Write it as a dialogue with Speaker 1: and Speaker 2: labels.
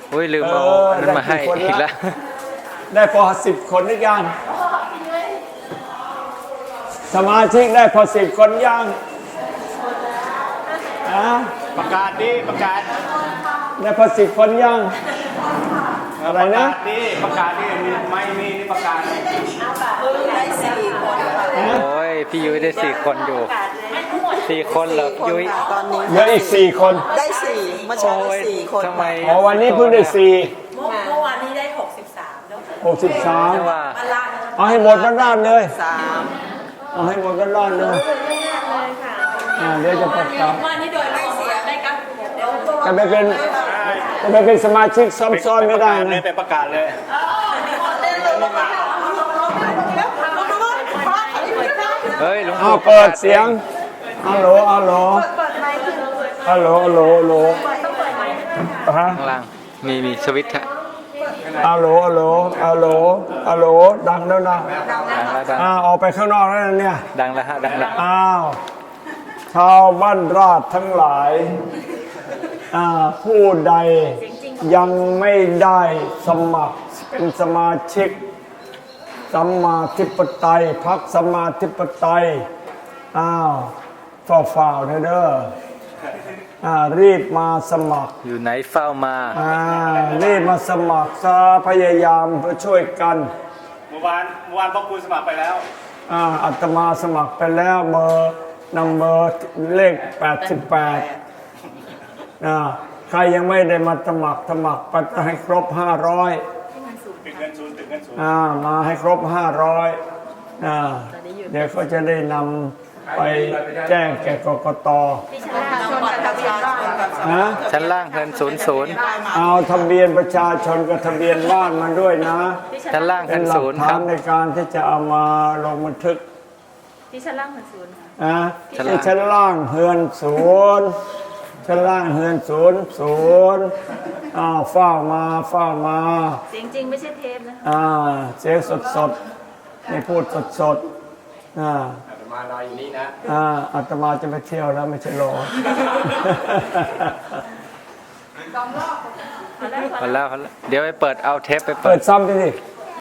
Speaker 1: อุ้ยลืมเอาอันนั้นมาให้อีกแล้ว
Speaker 2: ได้พอ10 คนหรือยังสมาชิกได้พอ10 คนยัง
Speaker 3: ประกาศดิประกาศ
Speaker 2: ได้พอ10 คนยังอะไรนะ
Speaker 3: ประกาศดิไม่มีนี่ประกาศ
Speaker 4: ได้4 คน
Speaker 1: โอ้ยพี่ยุ้ยได้4 คนอยู่4 คนเหรอยุ้ย
Speaker 4: ตอนนี้
Speaker 2: เหลืออีก4 คน
Speaker 4: ได้4เมื่อเช้าได้4 คน
Speaker 1: ทำไม
Speaker 2: อ๋อวันนี้เพิ่งได้4
Speaker 5: เมื่อวานนี้ได้63แล้ว
Speaker 2: 63
Speaker 1: ว่า
Speaker 2: เอาให้หมดกันด้านเลย
Speaker 4: 3
Speaker 2: เอาให้หมดกันด้านเลยเดี๋ยวจะประกาศ
Speaker 5: วันนี้โดยไม่เสียได้กันเดี๋ยวตัว
Speaker 2: จะไปเป็นสมาชิกซ้อนๆไม่ได้นะ
Speaker 3: ไปประกาศเลย
Speaker 1: เฮ้ยหลวง
Speaker 2: เอา
Speaker 1: ปู่
Speaker 2: เปิดเสียงฮัลโหลฮัลโหลฮัลโหลฮัลโหลฮัลโหลฮะ
Speaker 1: ข้างล่างมีสวิตช์ฮะ
Speaker 2: ฮัลโหลฮัลโหลฮัลโหลฮัลโหลดังแล้วนะ
Speaker 1: ดังแล้วดัง
Speaker 2: ออกไปข้างนอกแล้วนะเนี่ย
Speaker 1: ดังแล้วฮะดังแล้ว
Speaker 2: อ้าวชาวบ้านราชทั้งหลายผู้ใดยังไม่ได้สมัครเป็นสมาชิกสัมมาธิปไตยพรรคสัมมาธิปไตยฝ่าเด้อรีบมาสมัคร
Speaker 1: อยู่ไหนเฝ้ามา
Speaker 2: รีบมาสมัครพยายามเพื่อช่วยกัน
Speaker 3: เมื่อวานพ่อครูสมัครไปแล้ว
Speaker 2: อาตมาสมัครไปแล้วเบอร์นัมเบอร์เลข88ใครยังไม่ได้มาสมัครไปให้ครบ500
Speaker 3: ติดเงินศูนย์
Speaker 2: มาให้ครบ500เดี๋ยวเขาจะได้นำไปแจ้งแก่กกต
Speaker 1: ชั้นล่างเงิน00
Speaker 2: เอาทะเบียนประชาชนกับทะเบียนบ้านมาด้วยนะ
Speaker 1: ชั้นล่าง
Speaker 2: เป็
Speaker 1: เงิ
Speaker 2: น
Speaker 1: น
Speaker 2: หลัก
Speaker 1: 0ค
Speaker 2: ฐา
Speaker 1: รั
Speaker 2: น
Speaker 1: บ
Speaker 2: ในการที่จะเอามาลงบันทึก
Speaker 5: ที่ชั้นล่าง0
Speaker 2: ที่ชั้นล่างเฮือน0ชั้นล่างเฮือน00เฝ้ามา
Speaker 5: เสียงจริงไม่ใช่เทปนะ
Speaker 2: เสียงสดนี่พูดสด
Speaker 3: มานอนอยู่นี่นะ
Speaker 2: อาตมาจะไปเที่ยวแล้วไม่ใช่รอ
Speaker 1: พอแล้วเดี๋ยวไปเปิดเอาเทปไป
Speaker 2: เปิดซ้ำดิ